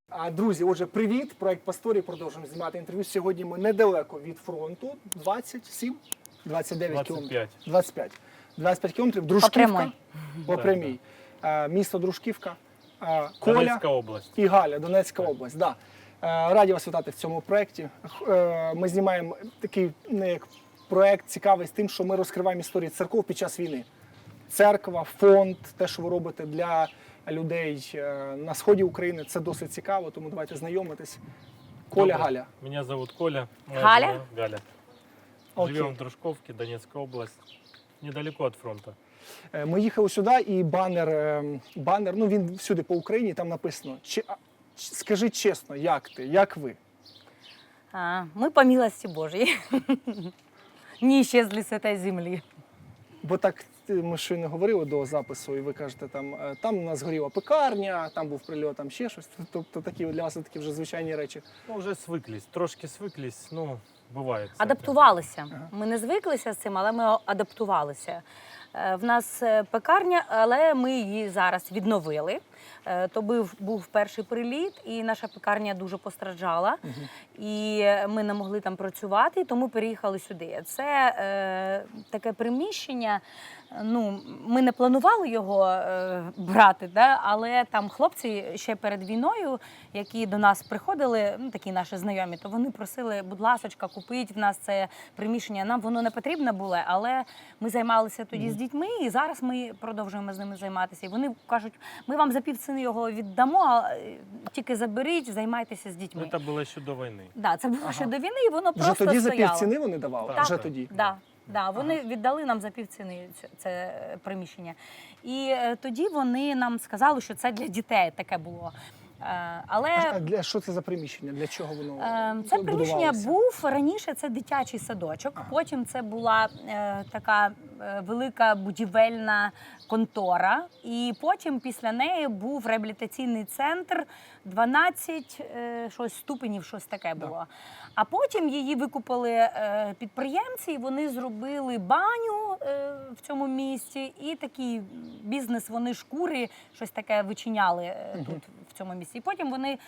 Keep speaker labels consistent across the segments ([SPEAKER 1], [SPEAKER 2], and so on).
[SPEAKER 1] Друзі, отже, привіт! Проект Пасторі. Продовжуємо знімати інтерв'ю. Сьогодні ми недалеко від фронту. 27? 29 кілометрів. 25 кілометрів. Дружківка. По прямій. Місто Дружківка. Коля
[SPEAKER 2] Донецька область.
[SPEAKER 1] І Галя, Донецька область. Да. Раді вас вітати в цьому проєкті. Ми знімаємо такий проєкт цікавий з тим, що ми розкриваємо історії церков під час війни. Церква, фонд, те, що ви робите для людей на сході України, це досить цікаво, тому давайте знайомитись. Коля,
[SPEAKER 2] Добрый.
[SPEAKER 1] Галя.
[SPEAKER 2] Меня зовут Коля. Моя
[SPEAKER 3] Галя?
[SPEAKER 2] жена Галя.
[SPEAKER 1] Окей.
[SPEAKER 2] Живем в Дружковке, Донецкая область. Недалеко от фронта.
[SPEAKER 1] Ми їхали сюди, і банер, ну він всюди по Україні, там написано, скажи чесно, як ти, як ви?
[SPEAKER 3] Мы по милости Божьей не исчезли с этой земли.
[SPEAKER 1] Бо так ми щойно говорили до запису, і ви кажете, там у нас горіла пекарня, там був прильот, там ще щось. Тобто такі для вас такі вже звичайні речі.
[SPEAKER 2] Ну, уже свыклись, трошки свыклись, ну, бывает. всяке.
[SPEAKER 3] Адаптувалися.
[SPEAKER 1] Ага.
[SPEAKER 3] Ми не звиклися з цим, але ми адаптувалися. В нас пекарня, але ми її зараз відновили. То був перший приліт, і наша пекарня дуже постраждала. І ми не могли там працювати, тому переїхали сюди. Це таке приміщення, ну, ми не планували його брати, да? Але там хлопці ще перед війною, які до нас приходили, ну, такі наші знайомі, то вони просили, будь ласочка, купіть в нас це приміщення. Нам воно не потрібне було, але ми займалися тоді з дітьми, і зараз ми продовжуємо з ними займатися. І вони кажуть, ми вам за півціни його віддамо, а тільки заберіть, займайтеся з дітьми.
[SPEAKER 2] Это было еще до войны.
[SPEAKER 3] Да, це було ще до війни, і воно
[SPEAKER 1] Вже
[SPEAKER 3] просто
[SPEAKER 1] тоді за
[SPEAKER 3] стояло.
[SPEAKER 1] півціни вони давали?
[SPEAKER 2] Так.
[SPEAKER 1] Вже тоді?
[SPEAKER 3] Да, вони віддали нам за півціни це приміщення. І тоді вони нам сказали, що це для дітей таке було. Але
[SPEAKER 1] Що це за приміщення? Для чого воно
[SPEAKER 3] це приміщення
[SPEAKER 1] будувалося?
[SPEAKER 3] був раніше, це дитячий садочок, потім це була така велика будівельна контора, і потім після неї був реабілітаційний центр, 12 ступенів, щось таке було. А потім її викупили підприємці, і вони зробили баню в цьому місці, і такий бізнес, вони шкури, щось таке вичиняли тут, в цьому місці. І потім вони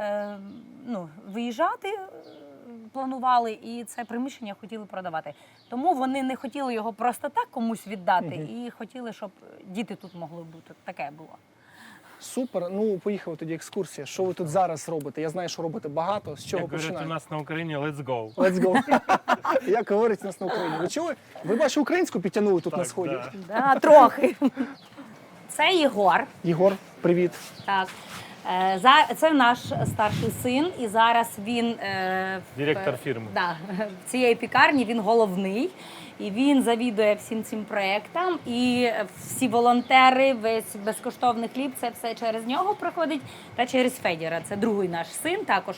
[SPEAKER 3] виїжджати планували, і це приміщення хотіли продавати. Тому вони не хотіли його просто так комусь віддати, і хотіли, щоб діти тут могли бути. Таке було.
[SPEAKER 1] Супер. Ну, поїхали тоді екскурсія. Що ви тут зараз робите? Я знаю, що робите багато. З чого
[SPEAKER 2] Як говорять у
[SPEAKER 1] починаєте?
[SPEAKER 2] нас на Україні, let's go.
[SPEAKER 1] Let's go. Як говорять у нас на Україні. Ви чули? Ви, бачу, українську підтягнули тут на
[SPEAKER 2] Так,
[SPEAKER 1] сході.
[SPEAKER 2] да.
[SPEAKER 3] Да, трохи. Це Єгор.
[SPEAKER 1] Єгор, привіт.
[SPEAKER 3] Так. Це наш старший син, і зараз він
[SPEAKER 2] Директор фірми.
[SPEAKER 3] Да, в цієї пікарні він головний, і він завідує всім цим проєктам, і всі волонтери, весь безкоштовний хліб, це все через нього проходить, та через Федіра. Це другий наш син також.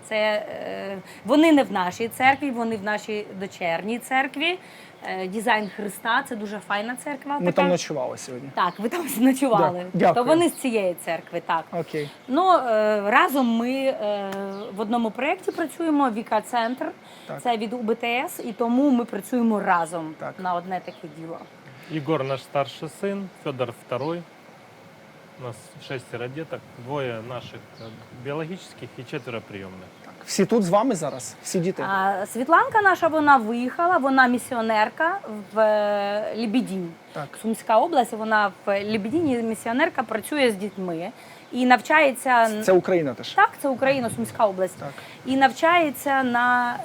[SPEAKER 3] Вони не в нашій церкві, вони в нашій дочерній церкві. Дизайн Христа, це дуже файна церква.
[SPEAKER 1] Ми там ночували сьогодні.
[SPEAKER 3] Так, ви там ночували.
[SPEAKER 1] Дякую.
[SPEAKER 3] То вони з цієї церкви, так.
[SPEAKER 1] Окей.
[SPEAKER 3] Ну, разом ми в одному проєкті працюємо, Віка-центр,
[SPEAKER 1] Так.
[SPEAKER 3] це від УБТС, і тому ми працюємо разом
[SPEAKER 1] Так.
[SPEAKER 3] на одне таке діло.
[SPEAKER 2] Егор наш старший сын, Федор второй. У нас 6 деток, 2 наших биологических и 4 приемных.
[SPEAKER 1] Так. Всі тут з вами зараз? Всі діти?
[SPEAKER 3] Світланка наша, вона виїхала, вона місіонерка в Лебедінь.
[SPEAKER 1] Так.
[SPEAKER 3] Сумська область, вона в Лебедіні місіонерка, працює з дітьми і навчається...
[SPEAKER 1] Це Україна теж?
[SPEAKER 3] Так, це Україна, Сумська область.
[SPEAKER 1] Так.
[SPEAKER 3] І навчається на...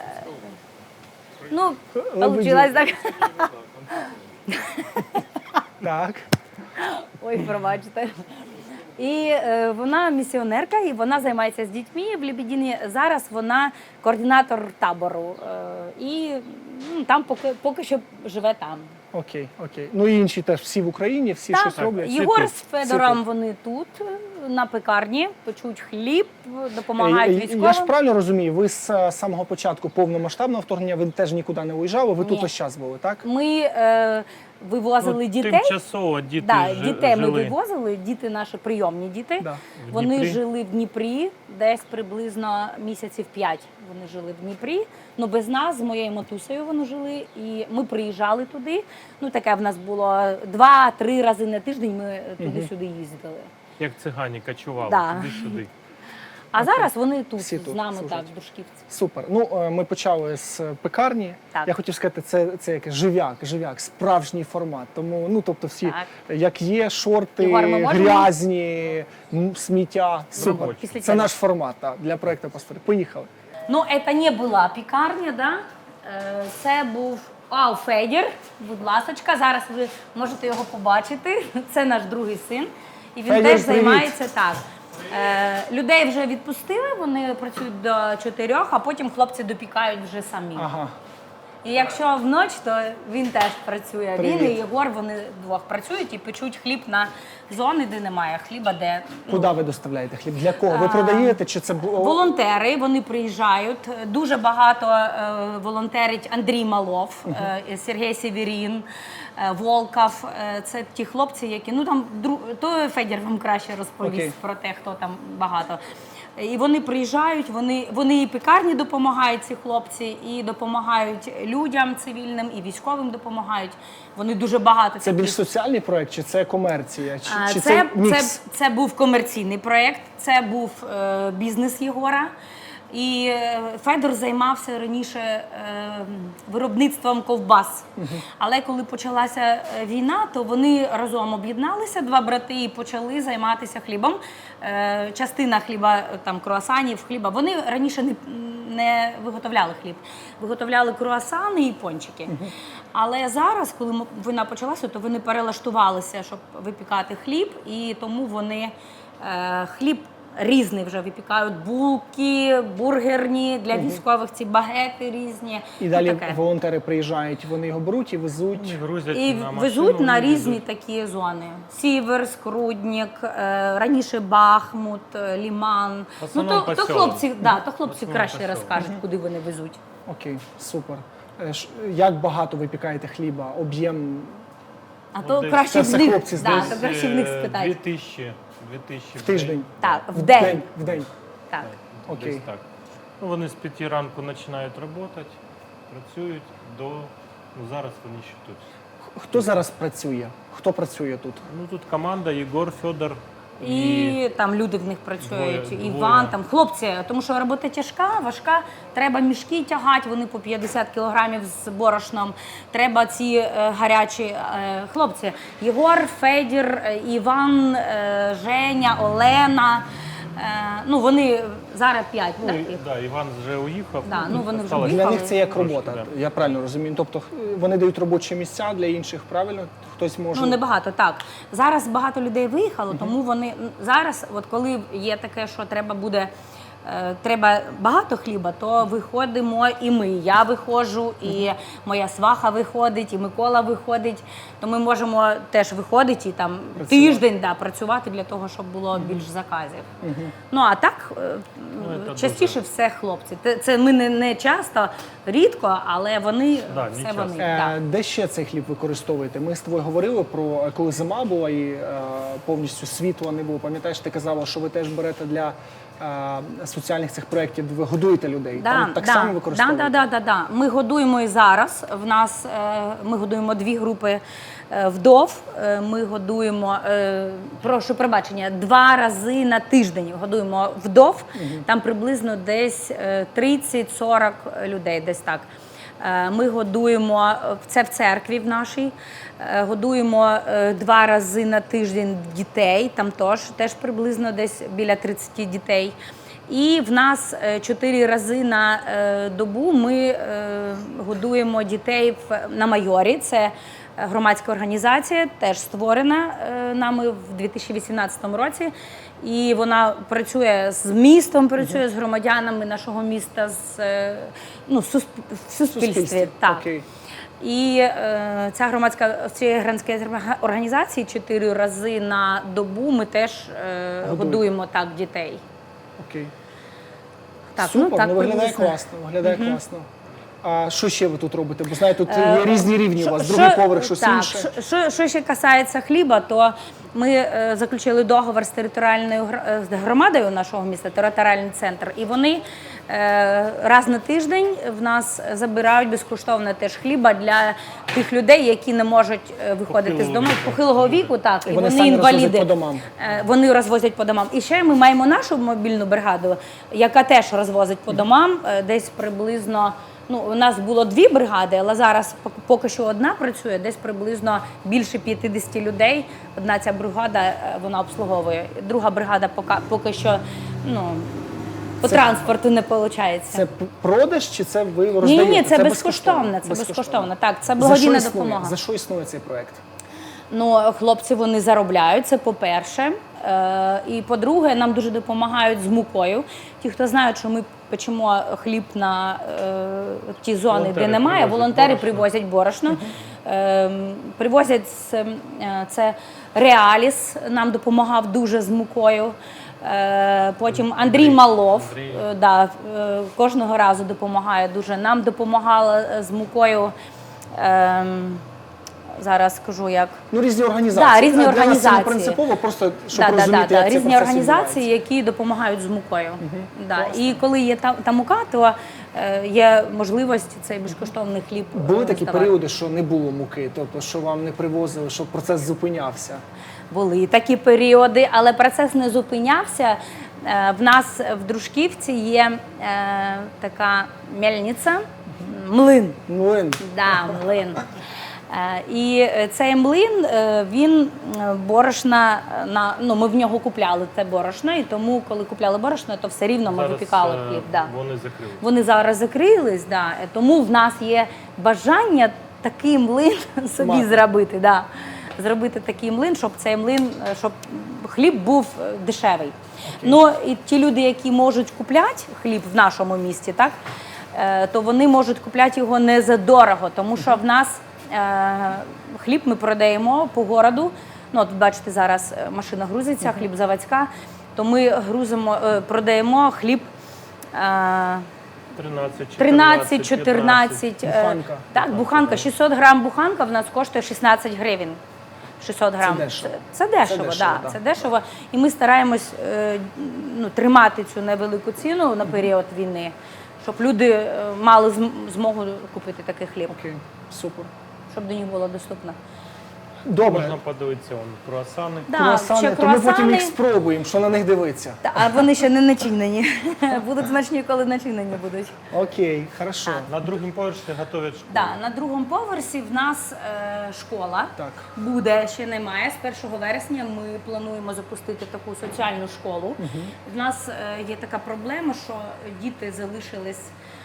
[SPEAKER 3] Ну,
[SPEAKER 1] Лебедінь.
[SPEAKER 3] получилось так.
[SPEAKER 1] Так.
[SPEAKER 3] Ой, пробачте. І вона місіонерка, і вона займається з дітьми в Лебедіні. Зараз вона координатор табору. І там поки що живе там.
[SPEAKER 1] Окей, окей. Ну і інші теж всі в Україні, всі щось роблять?
[SPEAKER 3] Єгор
[SPEAKER 2] тут.
[SPEAKER 3] з Федором,
[SPEAKER 1] тут.
[SPEAKER 3] вони тут, на пекарні, печуть хліб, допомагають військовим.
[SPEAKER 1] Я ж правильно розумію, ви з самого початку повномасштабного вторгнення, ви теж нікуди не уїжджали, ви тут
[SPEAKER 3] Ні.
[SPEAKER 1] весь час були, так?
[SPEAKER 3] Ми вивозили дітей.
[SPEAKER 2] Тимчасово діти
[SPEAKER 3] Дітей ми
[SPEAKER 2] жили.
[SPEAKER 3] вивозили, діти наші прийомні діти.
[SPEAKER 1] Да.
[SPEAKER 2] В
[SPEAKER 3] Вони
[SPEAKER 2] Дніпрі.
[SPEAKER 3] жили в Дніпрі, десь приблизно місяців 5 вони жили в Дніпрі. Ну без нас, з моєю матусею вони жили, і ми приїжджали туди. Ну таке в нас було 2-3 рази на тиждень ми туди-сюди їздили.
[SPEAKER 2] Як цигані кочували,
[SPEAKER 3] Да.
[SPEAKER 2] туди-сюди.
[SPEAKER 3] А зараз вони тут,
[SPEAKER 1] Всі тут
[SPEAKER 3] з нами,
[SPEAKER 1] служать.
[SPEAKER 3] так, в Душківці.
[SPEAKER 1] Супер. Ну, ми почали з пекарні.
[SPEAKER 3] Так.
[SPEAKER 1] Я хотів сказати, це якийсь жив'як, справжній формат. Тому, ну, тобто всі,
[SPEAKER 3] Так.
[SPEAKER 1] як є, шорти,
[SPEAKER 3] Ігор, ми можемо?
[SPEAKER 1] грязні, сміття. Супер.
[SPEAKER 2] Робочі.
[SPEAKER 3] Після
[SPEAKER 1] Це
[SPEAKER 3] тебе.
[SPEAKER 1] наш формат так, для проекту «Пастори». Поїхали.
[SPEAKER 3] Ну, це не була пікарня, да? Це був Федір, будь ласочка. Зараз ви можете його побачити. Це наш другий син. І він
[SPEAKER 1] Федір,
[SPEAKER 3] теж
[SPEAKER 1] привіт.
[SPEAKER 3] займається так. Людей вже відпустили, вони працюють до 4, а потім хлопці допікають вже самі.
[SPEAKER 1] Ага.
[SPEAKER 3] І якщо вночі, то він теж працює. Він і
[SPEAKER 1] Привіт.
[SPEAKER 3] Єгор, вони двох працюють і печуть хліб на зони, де немає хліба, де
[SPEAKER 1] Куди ви доставляєте хліб? Для кого? Ви продаєте чи це
[SPEAKER 3] волонтери, вони приїжджають. Дуже багато волонтерить Андрій Малов, Сергій Сєвєрін, Волков. Це ті хлопці, які то Федір вам краще розповість
[SPEAKER 1] Окей.
[SPEAKER 3] про те, хто там багато. І вони приїжджають, вони і пекарні допомагають, ці хлопці, і допомагають людям цивільним, і військовим допомагають. Вони дуже багато.
[SPEAKER 1] Це більш соціальний проект, чи це комерція? Чи
[SPEAKER 3] Це
[SPEAKER 1] мікс?
[SPEAKER 3] це був комерційний проєкт, це був бізнес Єгора. І Федор займався раніше виробництвом ковбас. Але коли почалася війна, то вони разом об'єдналися, два брати, і почали займатися хлібом. Частина хліба, там круасанів, хліба. Вони раніше не виготовляли хліб, виготовляли круасани і пончики. Але зараз, коли війна почалася, то вони перелаштувалися, щоб випікати хліб, і тому вони хліб різний вже випікають, булки, бургерні, для військових ці багети різні.
[SPEAKER 1] І далі
[SPEAKER 3] таке.
[SPEAKER 1] волонтери приїжджають, вони його беруть і везуть.
[SPEAKER 2] Грузять
[SPEAKER 3] І
[SPEAKER 2] на машину,
[SPEAKER 3] везуть на
[SPEAKER 2] і
[SPEAKER 3] різні
[SPEAKER 2] везуть.
[SPEAKER 3] такі зони. Сіверськ, Руднік, раніше Бахмут, Ліман.
[SPEAKER 2] В основному
[SPEAKER 3] То
[SPEAKER 2] посілок.
[SPEAKER 3] хлопці,
[SPEAKER 2] В
[SPEAKER 3] краще
[SPEAKER 2] основному посілок.
[SPEAKER 3] розкажуть, куди вони везуть.
[SPEAKER 1] Окей, супер. Як багато ви пікаєте хліба? Об'єм?
[SPEAKER 3] А то
[SPEAKER 2] десь
[SPEAKER 3] краще
[SPEAKER 1] це
[SPEAKER 3] в
[SPEAKER 1] все
[SPEAKER 3] них,
[SPEAKER 1] хлопці
[SPEAKER 3] да,
[SPEAKER 1] здають.
[SPEAKER 3] то краще в них спитати.
[SPEAKER 2] 2000
[SPEAKER 1] В тиждень?
[SPEAKER 3] Так, в день.
[SPEAKER 1] В день.
[SPEAKER 3] Так.
[SPEAKER 1] Окей.
[SPEAKER 2] Десь так. Ну, вони з 5 ранку починають працювати, працюють до... Ну, зараз вони ще тут.
[SPEAKER 1] Хто зараз працює? Хто працює тут?
[SPEAKER 2] Ну, тут команда Єгор, Федор
[SPEAKER 3] І там люди в них працюють,
[SPEAKER 2] Двоє.
[SPEAKER 3] Іван, там хлопці, тому що робота тяжка, важка, треба мішки тягати, вони по 50 кілограмів з борошном, треба ці гарячі хлопці. Єгор, Федір, Іван, Женя, Олена, вони зараз 5,
[SPEAKER 2] Ну,
[SPEAKER 3] так?
[SPEAKER 2] і, да, Іван вже уїхав.
[SPEAKER 3] Да, ну, вони вже
[SPEAKER 2] осталось
[SPEAKER 1] Для
[SPEAKER 3] Їхали.
[SPEAKER 1] них це як
[SPEAKER 2] трошки,
[SPEAKER 1] робота,
[SPEAKER 2] да.
[SPEAKER 1] я правильно розумію. Тобто вони дають робочі місця для інших, правильно? Хтось може.
[SPEAKER 3] Ну, небагато, так. Зараз багато людей виїхало, тому вони зараз, от коли є таке, що треба багато хліба, то виходимо і ми. Я виходжу, і моя сваха виходить, і Микола виходить. То ми можемо теж виходити і там тиждень працювати для того, щоб було більш заказів. Ну а так
[SPEAKER 2] це
[SPEAKER 3] частіше все хлопці. Це ми не часто, рідко, але вони
[SPEAKER 2] Да, не
[SPEAKER 3] все
[SPEAKER 2] часто.
[SPEAKER 3] вони. так.
[SPEAKER 1] Де ще цей хліб використовуєте? Ми з тобою говорили про коли зима була і повністю світла не було. Пам'ятаєш, ти казала, що ви теж берете для соціальних цих проєктів, ви годуєте людей. Там так само використовуєте?
[SPEAKER 3] Да. Ми годуємо і зараз. В нас ми годуємо 2 групи вдов. Ми годуємо, прошу пробачення, 2 рази на тиждень годуємо вдов. Там приблизно десь 30-40 людей, десь так. Ми годуємо, це в церкві в нашій, годуємо 2 рази на тиждень дітей, там теж приблизно десь біля 30 дітей. І в нас 4 рази на добу ми годуємо дітей на Майорі. Це громадська організація, теж створена нами в 2018 році. І вона працює з містом, працює з громадянами нашого міста, в суспільстві. Так.
[SPEAKER 1] Окей.
[SPEAKER 3] І цієї громадської організації 4 рази на добу ми теж годуємо так дітей.
[SPEAKER 1] Окей.
[SPEAKER 3] Так,
[SPEAKER 1] Супер,
[SPEAKER 3] так
[SPEAKER 1] виглядає
[SPEAKER 3] приблизно.
[SPEAKER 1] класно, виглядає класно. А що ще ви тут робите? Бо знаєте, тут є різні рівні у вас, другий поверх, щось
[SPEAKER 3] так,
[SPEAKER 1] інше.
[SPEAKER 3] Що ще касається хліба, то ми заключили договор з територіальною з громадою нашого міста, територіальний центр, і вони раз на тиждень в нас забирають безкоштовно теж хліба для тих людей, які не можуть виходити з дому похилого віку, так, і
[SPEAKER 1] вони
[SPEAKER 3] вони
[SPEAKER 1] самі
[SPEAKER 3] інваліди.
[SPEAKER 1] розвозять по домам.
[SPEAKER 3] Вони розвозять по домам. І ще ми маємо нашу мобільну бригаду, яка теж розвозить по домам, десь приблизно. Ну, у нас було 2 бригади, але зараз поки що одна працює, десь приблизно більше 50 людей. Одна ця бригада, вона обслуговує. Друга бригада поки що, ну, по транспорту не виходить.
[SPEAKER 1] Це продаж чи це ви роздаєте?
[SPEAKER 3] Ні, це безкоштовно. Це безкоштовно. Так, це
[SPEAKER 1] За що
[SPEAKER 3] благодійна
[SPEAKER 1] існує?
[SPEAKER 3] допомога.
[SPEAKER 1] За що існує цей проект?
[SPEAKER 3] Ну, хлопці, вони заробляють, це по-перше. І по-друге, нам дуже допомагають з мукою. Ті, хто знають, що ми печемо хліб на ті зони,
[SPEAKER 2] Волонтери
[SPEAKER 3] де немає,
[SPEAKER 2] привозять
[SPEAKER 3] волонтери
[SPEAKER 2] борошно.
[SPEAKER 3] привозять борошно. Привозять це Реаліс, нам допомагав дуже з мукою. Потім Андрій Малов кожного разу допомагає дуже. Нам допомагала з мукою. Зараз скажу, як.
[SPEAKER 1] Ну, різні організації.
[SPEAKER 3] Да, різні
[SPEAKER 1] Для нас це не
[SPEAKER 3] організації.
[SPEAKER 1] принципово, просто щоб розуміти, як цей
[SPEAKER 3] різні
[SPEAKER 1] процес
[SPEAKER 3] організації,
[SPEAKER 1] відбувається.
[SPEAKER 3] які допомагають з мукою. Да. І коли є та мука, то є можливість цей безкоштовний хліб
[SPEAKER 1] Були такі
[SPEAKER 3] роздавати.
[SPEAKER 1] періоди, що не було муки, тобто, що вам не привозили, що процес зупинявся.
[SPEAKER 3] Були такі періоди, але процес не зупинявся. В нас в Дружківці є така мельниця, млин.
[SPEAKER 1] Млин.
[SPEAKER 3] Да, млин. І цей млин, він борошна, ми в нього купляли це борошно, і тому, коли купляли борошно, то все рівно ми
[SPEAKER 2] Зараз,
[SPEAKER 3] випікали хліб. Да.
[SPEAKER 2] Вони закрили.
[SPEAKER 3] Вони зараз закрились, да. Тому в нас є бажання такий млин собі
[SPEAKER 1] Мати.
[SPEAKER 3] зробити. Да. Зробити такий млин, щоб цей млин, щоб хліб був дешевий. Ну і ті люди, які можуть купляти хліб в нашому місті, так, то вони можуть купляти його не за дорого, тому що в нас хліб ми продаємо по городу. Ну, от бачите, зараз машина грузиться, хліб заводська, то ми продаємо хліб 13-14.
[SPEAKER 1] Буханка.
[SPEAKER 3] Так, буханка. 600 грам буханка в нас коштує 16 гривень. 600 грам.
[SPEAKER 1] дешево.
[SPEAKER 3] Це дешево,
[SPEAKER 1] дешево,
[SPEAKER 3] да.
[SPEAKER 1] да.
[SPEAKER 3] Це дешево. І ми стараємось тримати цю невелику ціну на період війни, щоб люди мали змогу купити такий хліб,
[SPEAKER 1] Окей, супер.
[SPEAKER 3] щоб до них було доступно.
[SPEAKER 1] Добре.
[SPEAKER 2] Можна подивитися круасани.
[SPEAKER 3] Да,
[SPEAKER 1] Круасани,
[SPEAKER 3] ще
[SPEAKER 1] то ми потім
[SPEAKER 3] круасани.
[SPEAKER 1] їх спробуємо, що на них дивитися.
[SPEAKER 3] А вони ще не начинені. Будуть смачні, коли начинені будуть.
[SPEAKER 1] Окей, хорошо.
[SPEAKER 2] На другому поверсі готують школу.
[SPEAKER 3] Да, на другому поверсі в нас школа
[SPEAKER 1] Так.
[SPEAKER 3] буде, ще немає. З 1 вересня ми плануємо запустити таку соціальну школу. В нас є така проблема, що діти залишились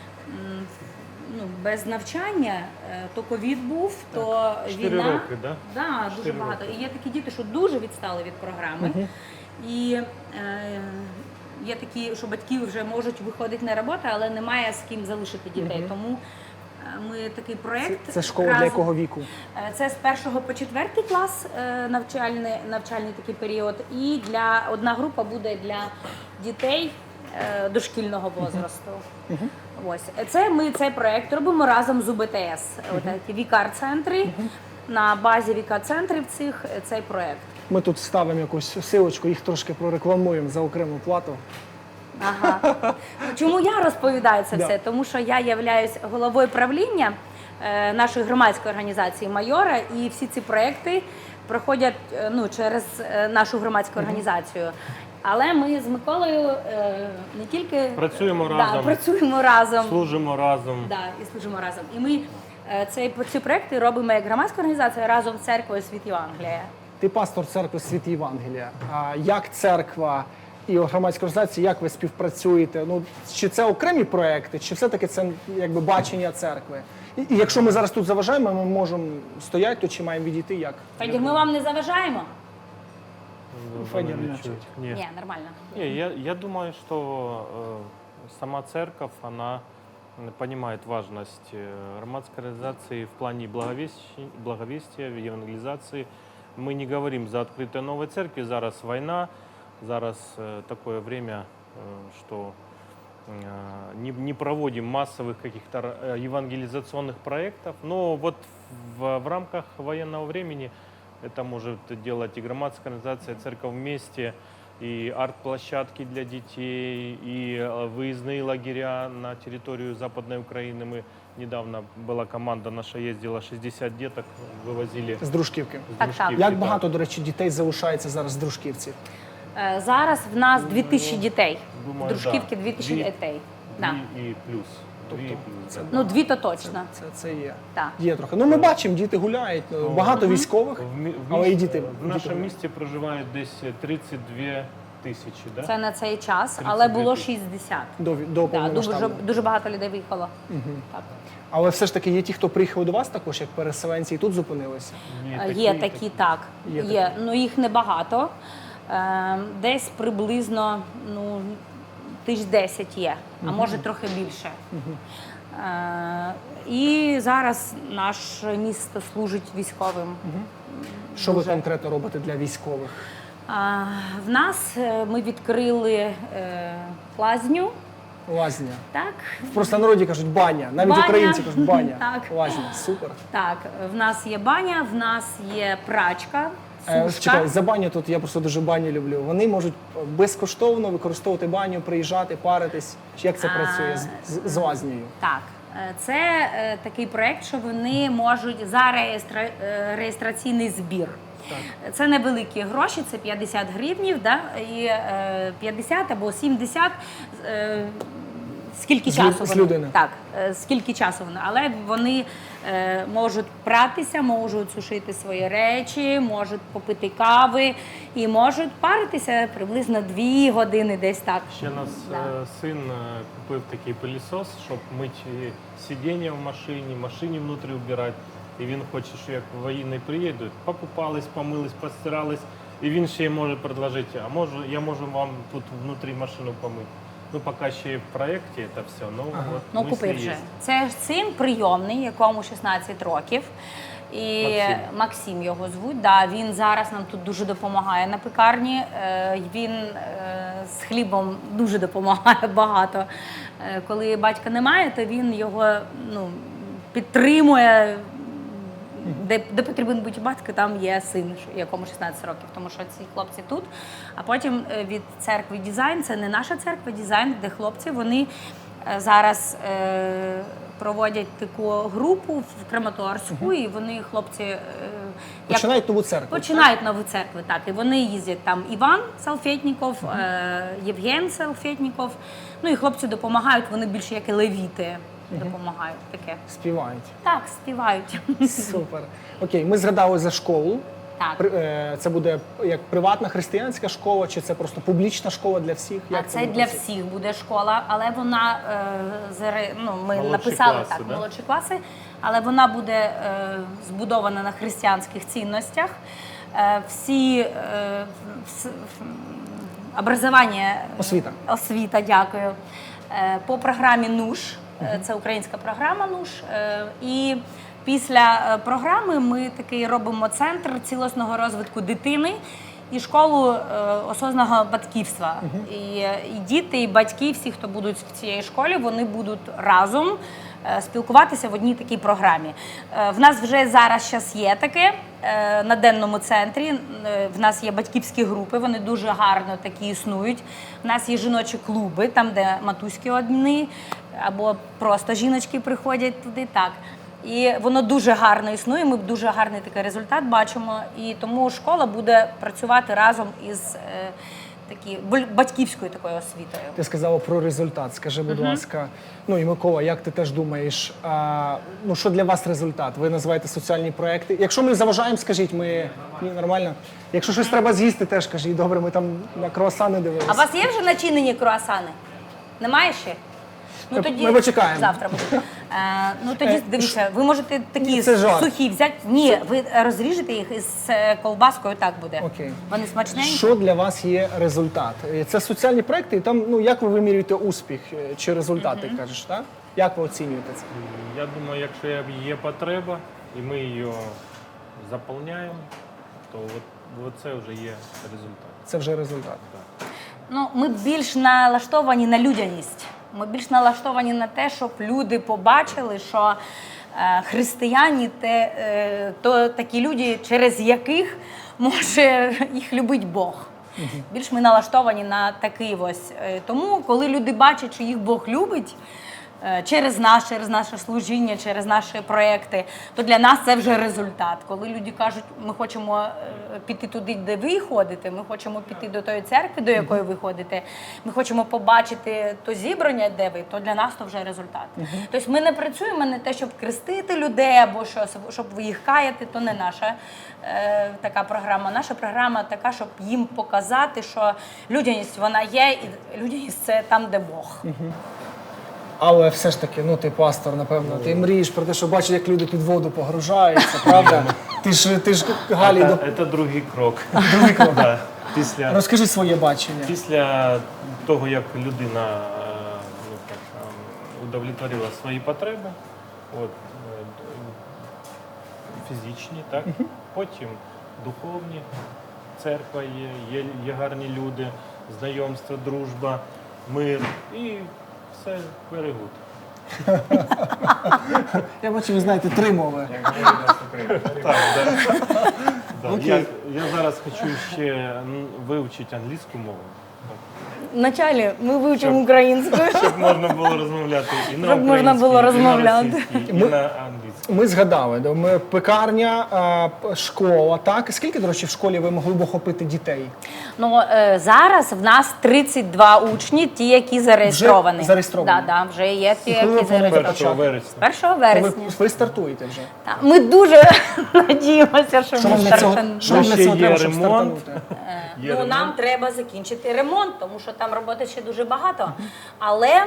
[SPEAKER 3] без навчання. То ковід був, то
[SPEAKER 2] 4
[SPEAKER 3] війна.
[SPEAKER 2] роки, да?
[SPEAKER 3] Да, дуже
[SPEAKER 2] 4
[SPEAKER 3] багато.
[SPEAKER 2] роки.
[SPEAKER 3] І є такі діти, що дуже відстали від програми. І є такі, що батьки вже можуть виходити на роботу, але немає з ким залишити дітей. Тому ми такий проєкт.
[SPEAKER 1] Це школа для якого віку?
[SPEAKER 3] Це з 1 по 4 клас навчальний такий період. І одна група буде для дітей дошкільного возрасту. Ось. Ми цей проєкт робимо разом з УБТС. Ті вікар-центри. На базі вікар-центрів цей проєкт.
[SPEAKER 1] Ми тут ставимо якусь силочку, їх трошки прорекламуємо за окрему плату.
[SPEAKER 3] Ага. Чому я розповідаю це
[SPEAKER 1] Да.
[SPEAKER 3] все? Тому що я являюсь головою правління нашої громадської організації «Майора», і всі ці проекти проходять через нашу громадську організацію. Але ми з Миколою не тільки
[SPEAKER 2] Працюємо
[SPEAKER 3] Да,
[SPEAKER 2] разом.
[SPEAKER 3] працюємо разом.
[SPEAKER 2] Служимо разом.
[SPEAKER 3] Да, і служимо разом. І ми ці проекти робимо як громадська організація разом з церквою «Світ Євангелія».
[SPEAKER 1] Ти пастор церкви Світ Євангелія. А як церква і громадська організація, як ви співпрацюєте? Ну, чи це окремі проекти, чи все-таки це якби бачення церкви? І якщо ми зараз тут заважаємо, ми можемо стояти тут, чи маємо відійти, як?
[SPEAKER 3] Федір, ми вам не заважаємо?
[SPEAKER 1] Федір
[SPEAKER 2] Вони
[SPEAKER 1] не
[SPEAKER 2] чують.
[SPEAKER 1] чуть.
[SPEAKER 3] Ні, нормально.
[SPEAKER 2] Не, я думаю, что сама церковь, она понимает важность громадской организации в плане благовестия, евангелизации. Мы не говорим за открытие новой церкви, зараз война, зараз такое время, что не проводим массовых каких-то евангелизационных проектов, но вот в рамках военного времени это может делать и громадская организация «Церковь вместе», и арт-площадки для детей, и выездные лагеря на территорию Западной Украины. Мы недавно была команда наша ездила, 60 деток вывозили
[SPEAKER 1] З Дружківки.
[SPEAKER 2] с
[SPEAKER 3] Так,
[SPEAKER 2] Дружківки,
[SPEAKER 1] Як
[SPEAKER 2] да.
[SPEAKER 1] багато, до речі, дітей залишається зараз з Дружківці?
[SPEAKER 3] Зараз в нас 2000 дітей.
[SPEAKER 2] Думаю,
[SPEAKER 3] В Дружківці
[SPEAKER 2] да.
[SPEAKER 3] 2000
[SPEAKER 2] Дві-
[SPEAKER 3] дітей. Да.
[SPEAKER 2] И плюс.
[SPEAKER 1] Тобто
[SPEAKER 2] Дві і плюс,
[SPEAKER 1] це
[SPEAKER 2] да.
[SPEAKER 3] Ну, 2 то точно.
[SPEAKER 1] Це є.
[SPEAKER 3] Так.
[SPEAKER 1] Є трохи. Ну, ми бачимо, діти гуляють, багато військових, але і діти.
[SPEAKER 2] В нашому місті проживають десь 32 тисячі, да?
[SPEAKER 3] Це на цей час,
[SPEAKER 2] 32
[SPEAKER 3] але було
[SPEAKER 2] тисячі.
[SPEAKER 3] 60.
[SPEAKER 1] До
[SPEAKER 3] Да, дуже,
[SPEAKER 1] повномасштабного.
[SPEAKER 3] дуже багато людей виїхало. Так.
[SPEAKER 1] Але все ж таки є ті, хто приїхав до вас також, як переселенці, і тут зупинилися.
[SPEAKER 3] Є такі, так.
[SPEAKER 1] Є
[SPEAKER 3] Є. Ну, їх небагато. Десь приблизно 1010 є, а може трохи більше. І зараз наше місто служить військовим.
[SPEAKER 1] Що ви
[SPEAKER 3] Дуже.
[SPEAKER 1] конкретно робите для військових?
[SPEAKER 3] В нас ми відкрили лазню.
[SPEAKER 1] Лазня.
[SPEAKER 3] Так,
[SPEAKER 1] В простонароді кажуть баня. Навіть
[SPEAKER 3] Баня.
[SPEAKER 1] українці кажуть баня.
[SPEAKER 3] Так.
[SPEAKER 1] Лазня. Супер.
[SPEAKER 3] так, в нас є баня, в нас є прачка, сушка.
[SPEAKER 1] Чекай, за баню тут я просто дуже баню люблю. Вони можуть безкоштовно використовувати баню, приїжджати, паритись. Чи як це працює з лазнею?
[SPEAKER 3] Так, це такий проєкт, що вони можуть за реєстраційний збір. Це невеликі гроші, це 50 гривнів, да? І 50 або 70, скільки
[SPEAKER 1] З
[SPEAKER 3] часу вони.
[SPEAKER 1] людини.
[SPEAKER 3] Так, скільки часу вони. Але вони можуть пратися, можуть сушити свої речі, можуть попити кави і можуть паритися приблизно 2 години десь так.
[SPEAKER 2] Ще нас
[SPEAKER 3] Да.
[SPEAKER 2] син купив такий пилісос, щоб мити сидіння в машині внутрі убирати. І він хоче, що як воїни приїдуть, покупались, помились, постирались. І він ще може предложити, я можу вам тут внутрі машину помити. Ну, поки ще в проєкті це все, от
[SPEAKER 3] Ну,
[SPEAKER 2] мислі
[SPEAKER 3] купив вже.
[SPEAKER 2] є.
[SPEAKER 3] Це син прийомний, якому 16 років. І
[SPEAKER 2] Максим.
[SPEAKER 3] Максим його звуть. Да, він зараз нам тут дуже допомагає на пекарні. Він з хлібом дуже допомагає багато. Коли батька немає, то він його підтримує. Де потрібен бути батько, там є син, якому 16 років, тому що ці хлопці тут. А потім від церкви «Дизайн», це не наша церква, «Дизайн», де хлопці, вони зараз проводять таку групу в Краматорську, і вони, хлопці,
[SPEAKER 1] Починають нову церкву.
[SPEAKER 3] починають нову церкву, так. І вони їздять там Іван Салфетніков, Євген Салфетніков. Ну і хлопці допомагають, вони більше як і левіти допомагають таке.
[SPEAKER 1] Співають.
[SPEAKER 3] Так, співають.
[SPEAKER 1] Супер. Окей, ми згадали за школу.
[SPEAKER 3] Так.
[SPEAKER 1] Це буде як приватна християнська школа, чи це просто публічна школа для всіх?
[SPEAKER 3] А
[SPEAKER 1] Як
[SPEAKER 3] це
[SPEAKER 1] буде
[SPEAKER 3] для
[SPEAKER 1] працювати?
[SPEAKER 3] всіх буде школа, але вона ми
[SPEAKER 2] Молодші
[SPEAKER 3] написали
[SPEAKER 2] класи,
[SPEAKER 3] так,
[SPEAKER 2] да?
[SPEAKER 3] молодші класи, але вона буде збудована на християнських цінностях. Всі образування, освіта, дякую. По програмі НУШ, це українська програма НУШ. І після програми ми такий робимо центр цілісного розвитку дитини і школу осознаного батьківства. І діти, і батьки, всі, хто будуть в цій школі, вони будуть разом спілкуватися в одній такій програмі. В нас вже зараз є таке на денному центрі. В нас є батьківські групи, вони дуже гарно такі існують. В нас є жіночі клуби, там, де матуські одні, або просто жіночки приходять туди. Так. І воно дуже гарно існує, ми дуже гарний такий результат бачимо. І тому школа буде працювати разом із батьківською такою освітою.
[SPEAKER 1] Ти сказала про результат. Скажи, будь ласка, і Микола, як ти теж думаєш, що для вас результат? Ви називаєте соціальні проекти. Якщо ми заважаємо, скажіть, ні, нормально. Якщо щось треба з'їсти, теж кажіть, добре, ми там на круасани дивилися.
[SPEAKER 3] А у вас є вже начинені круасани? Немає ще? Ну, тоді
[SPEAKER 1] ми почекаємо.
[SPEAKER 3] Завтра буде. Тоді дивіться, ви можете такі
[SPEAKER 1] це жарт.
[SPEAKER 3] сухі взяти. Ні, ви розріжете їх із колбаскою, так буде.
[SPEAKER 1] Окей.
[SPEAKER 3] Вони смачненькі.
[SPEAKER 1] Що для вас є результат? Це соціальні проекти, і там, як ви вимірюєте успіх чи результат, ти кажеш, так? Як ви оцінюєте це?
[SPEAKER 2] Я думаю, якщо є потреба, і ми її заповняємо, то от це вже є результат.
[SPEAKER 1] Це вже результат.
[SPEAKER 3] Ми більш налаштовані на людяність. Ми більш налаштовані на те, щоб люди побачили, що християні то такі люди, через яких може їх любить Бог. Більш ми налаштовані на такий ось. Тому, коли люди бачать, що їх Бог любить, через наше служіння, через наші проекти, то для нас це вже результат. Коли люди кажуть, ми хочемо піти туди, де ви ходите, ми хочемо піти до тої церкви, до якої ви ходите, ми хочемо побачити то зібрання, де ви, то для нас то вже результат. Тобто ми не працюємо на те, щоб крестити людей або щоб їх каяти, то не наша така програма. Наша програма така, щоб їм показати, що людяність вона є, і людяність це там, де Бог.
[SPEAKER 1] Але все ж таки, ну ти пастор, напевно, ти мрієш про те, що бачиш, як люди під воду погружаються, правда? Ти ж Галі
[SPEAKER 2] Це другий крок.
[SPEAKER 1] Другий крок.
[SPEAKER 2] Да.
[SPEAKER 1] Розкажи своє бачення.
[SPEAKER 2] Після того, як людина удовлетворила свої потреби, фізичні, так? Потім духовні, церква є гарні люди, знайомство, дружба, мир і все very good.
[SPEAKER 1] Я бачу, ви знаєте 3 мови.
[SPEAKER 2] Так, да.
[SPEAKER 1] Окей.
[SPEAKER 2] Я зараз хочу ще вивчити англійську мову.
[SPEAKER 3] Вначалі ми вивчимо українську.
[SPEAKER 2] Щоб можна було розмовляти і на
[SPEAKER 3] Щоб можна було
[SPEAKER 2] українській, і на
[SPEAKER 3] розмовляти.
[SPEAKER 2] російській, і на англійській.
[SPEAKER 1] Ми згадали, ми пекарня, школа, так? Скільки, до речі, в школі ви могли б охопити дітей?
[SPEAKER 3] Ну, зараз в нас 32 учні, ті, які зареєстровані.
[SPEAKER 1] Вже зареєстровані?
[SPEAKER 3] Да, вже є ті,
[SPEAKER 1] І коли
[SPEAKER 3] які
[SPEAKER 1] ви плануєте
[SPEAKER 2] 1
[SPEAKER 3] зареєстровані.
[SPEAKER 2] вересня.
[SPEAKER 3] 1 вересня.
[SPEAKER 1] Ви стартуєте вже.
[SPEAKER 3] Так, ми дуже надіємося, що
[SPEAKER 1] Що
[SPEAKER 3] ми
[SPEAKER 1] вам для цього,
[SPEAKER 3] стартанемо.
[SPEAKER 1] що вам для
[SPEAKER 2] Ще
[SPEAKER 1] цього
[SPEAKER 2] є
[SPEAKER 1] треба, щоб
[SPEAKER 2] ремонт.
[SPEAKER 1] стартанути?
[SPEAKER 2] Є
[SPEAKER 3] Ну,
[SPEAKER 2] ремонт.
[SPEAKER 3] нам треба закінчити ремонт, тому що там роботи ще дуже багато. Але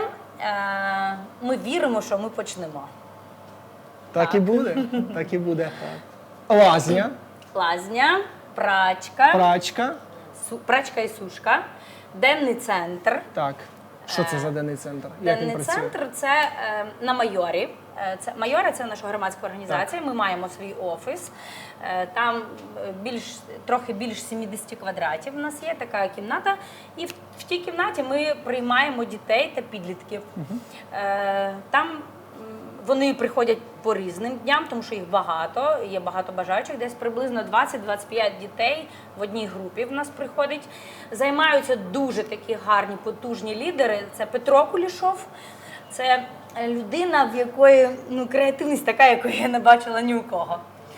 [SPEAKER 3] ми віримо, що ми почнемо.
[SPEAKER 1] Так і буде, так і буде. Лазня,
[SPEAKER 3] Лазня, прачка,
[SPEAKER 1] прачка,
[SPEAKER 3] прачка і сушка, денний центр.
[SPEAKER 1] так. Що це за денний центр? Як він
[SPEAKER 3] Денний
[SPEAKER 1] працює?
[SPEAKER 3] центр це на Майорі. Майора це наша громадська організація. Ми маємо свій офіс. Там трохи більш 70 квадратів. У нас є така кімната. І в тій кімнаті ми приймаємо дітей та підлітків. Там вони приходять по різним дням, тому що їх багато, є багато бажаючих. Десь приблизно 20-25 дітей в одній групі в нас приходить. Займаються дуже такі гарні, потужні лідери. Це Петро Кулішов. Це людина, в якої креативність така, якої я не бачила ні у кого.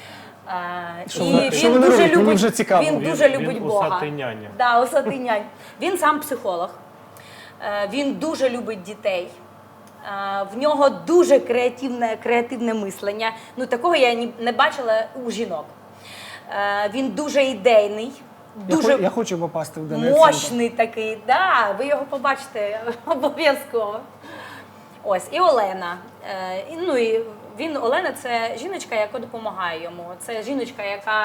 [SPEAKER 1] Що вони роблять? Мені вже цікаво.
[SPEAKER 3] Він дуже любить
[SPEAKER 2] Він
[SPEAKER 3] Бога.
[SPEAKER 2] усатий няня.
[SPEAKER 3] Да, усатий нянь. Він сам психолог. Він дуже любить дітей. В нього дуже креативне мислення. Ну, такого я не бачила у жінок. Він дуже ідейний, дуже
[SPEAKER 1] Я хочу попасти в денний центр.
[SPEAKER 3] мощний такий. Да, ви його побачите обов'язково. Ось, і Олена. Олена – це жіночка, яка допомагає йому. Це жіночка, яка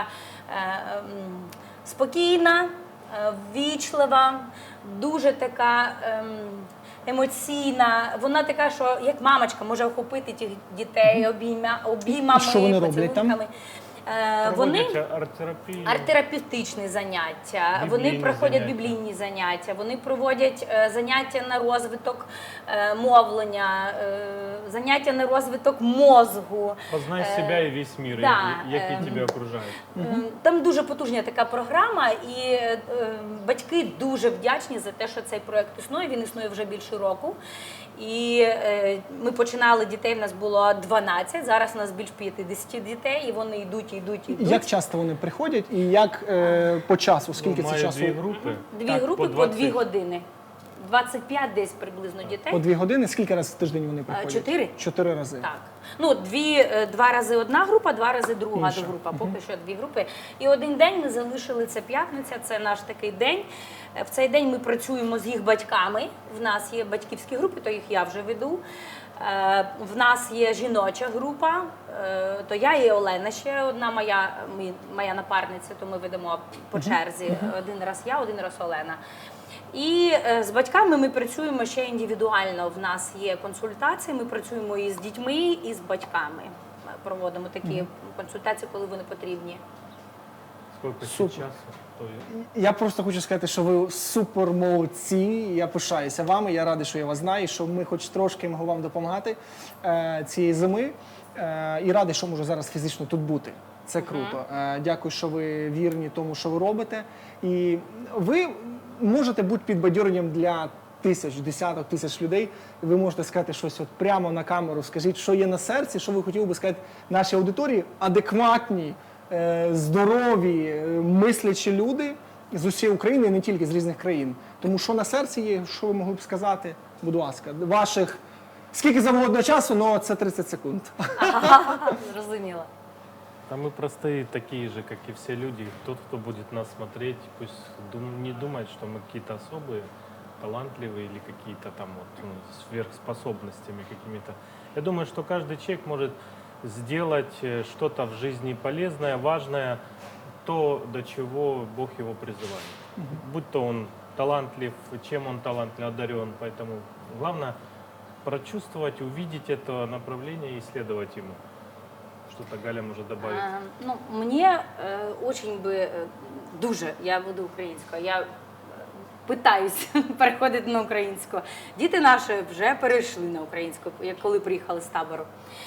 [SPEAKER 3] спокійна, ввічлива, дуже така емоційна. Вона така, що як мамочка може охопити тих дітей обіймами,
[SPEAKER 1] І що вони роблять там?
[SPEAKER 3] поцілунками. Вони
[SPEAKER 2] Проводять арт-терапію.
[SPEAKER 3] арт-терапевтичні заняття, вони
[SPEAKER 2] Біблійні
[SPEAKER 3] проходять
[SPEAKER 2] заняття.
[SPEAKER 3] біблійні заняття, вони проводять заняття на розвиток мовлення, заняття на розвиток мозку.
[SPEAKER 2] Познай себе і весь мир,
[SPEAKER 3] да,
[SPEAKER 2] який тебе окружає.
[SPEAKER 3] Там дуже потужна така програма, і батьки дуже вдячні за те, що цей проєкт існує. Він існує вже більше року. І ми починали дітей, в нас було 12, зараз у нас більш 50 дітей, і вони йдуть.
[SPEAKER 1] Як часто вони приходять і як по часу? Скільки це
[SPEAKER 2] Маю
[SPEAKER 1] часу?
[SPEAKER 2] 2 групи.
[SPEAKER 3] Дві
[SPEAKER 2] Так,
[SPEAKER 3] групи по
[SPEAKER 2] 20.
[SPEAKER 3] 2 години. 25 десь приблизно дітей.
[SPEAKER 1] По 2 години? Скільки разів в тиждень вони приходять?
[SPEAKER 3] 4.
[SPEAKER 1] 4 рази.
[SPEAKER 3] Так. Ну, 2 рази одна група, 2 рази друга
[SPEAKER 1] Інша.
[SPEAKER 3] група. Поки що 2 групи. І один день ми залишили, це п'ятниця, це наш такий день. В цей день ми працюємо з їх батьками. В нас є батьківські групи, то їх я вже веду. В нас є жіноча група, то я і Олена ще одна моя напарниця, то ми ведемо по черзі. Один раз я, один раз Олена. І з батьками ми працюємо ще індивідуально. В нас є консультації, ми працюємо і з дітьми, і з батьками. Проводимо такі консультації, коли вони потрібні.
[SPEAKER 2] Сколько
[SPEAKER 1] Супер.
[SPEAKER 2] сейчас стоит?
[SPEAKER 1] Я просто хочу сказати, що ви супер молодці. Я пишаюся вами. Я радий, що я вас знаю, що ми хоч трошки можемо вам допомагати цієї зими. І радий, що можу зараз фізично тут бути. Це круто. Дякую, що ви вірні тому, що ви робите. І ви можете бути підбадьоренням для тисяч, десяток тисяч людей. Ви можете сказати щось от прямо на камеру. Скажіть, що є на серці, що ви хотіли би сказати нашій аудиторії, адекватні, здорові, мислячі люди з усієї України, і не тільки з різних країн. Тому що на серці є, що ви могли б сказати, будь ласка, ваших скільки завгодно часу, але це 30 секунд.
[SPEAKER 3] Зрозуміло.
[SPEAKER 2] Да мы простые такие же, как и все люди. Тот, кто будет нас смотреть, пусть не думает, что мы какие-то особые, талантливые или какие-то там вот, сверхспособностями какими-то. Я думаю, что каждый человек может сделать что-то в жизни полезное, важное, то, до чего Бог его призывает. Будь то он талантлив, чем он талантлив, одарен. Поэтому главное прочувствовать, увидеть это направление и следовать ему. Что-то Галя может добавить.
[SPEAKER 3] Ну, мне очень би дуже, я буду українською, я питаюсь переходити на українську. Діти наші вже перейшли на українську, як коли приїхали з табору.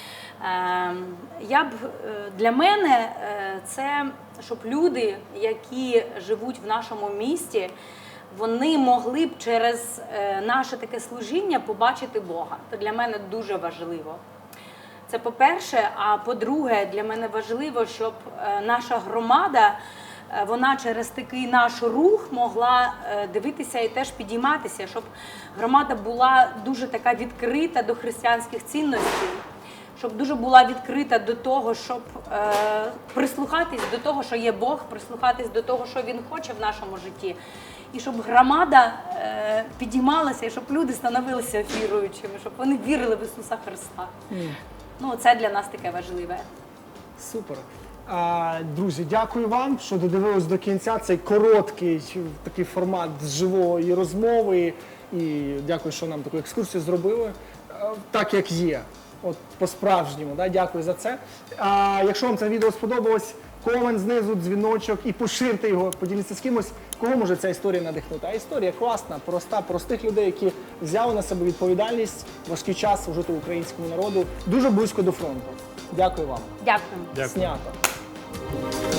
[SPEAKER 3] Для мене це, щоб люди, які живуть в нашому місті, вони могли б через наше таке служіння побачити Бога. Це для мене дуже важливо. Це по-перше, а по-друге, для мене важливо, щоб наша громада, вона через такий наш рух могла дивитися і теж підійматися, щоб громада була дуже така відкрита до християнських цінностей, щоб дуже була відкрита до того, щоб прислухатись до того, що є Бог, прислухатись до того, що Він хоче в нашому житті. І щоб громада підіймалася, і щоб люди становилися віруючими, щоб вони вірили в Ісуса Христа. Ну, це для нас таке важливе.
[SPEAKER 1] Супер. Друзі, дякую вам, що додивились до кінця цей короткий такий формат з живої розмови. І дякую, що нам таку екскурсію зробили. Так, як є. От по-справжньому. Да? Дякую за це. Якщо вам це відео сподобалось, комент знизу, дзвіночок і поширте його, поділіться з кимось, кого може ця історія надихнути. А історія класна, проста, простих людей, які взяли на себе відповідальність, важкий час служити українському народу, дуже близько до фронту. Дякую вам.
[SPEAKER 3] Дякую.
[SPEAKER 2] Дякую.
[SPEAKER 1] Снято.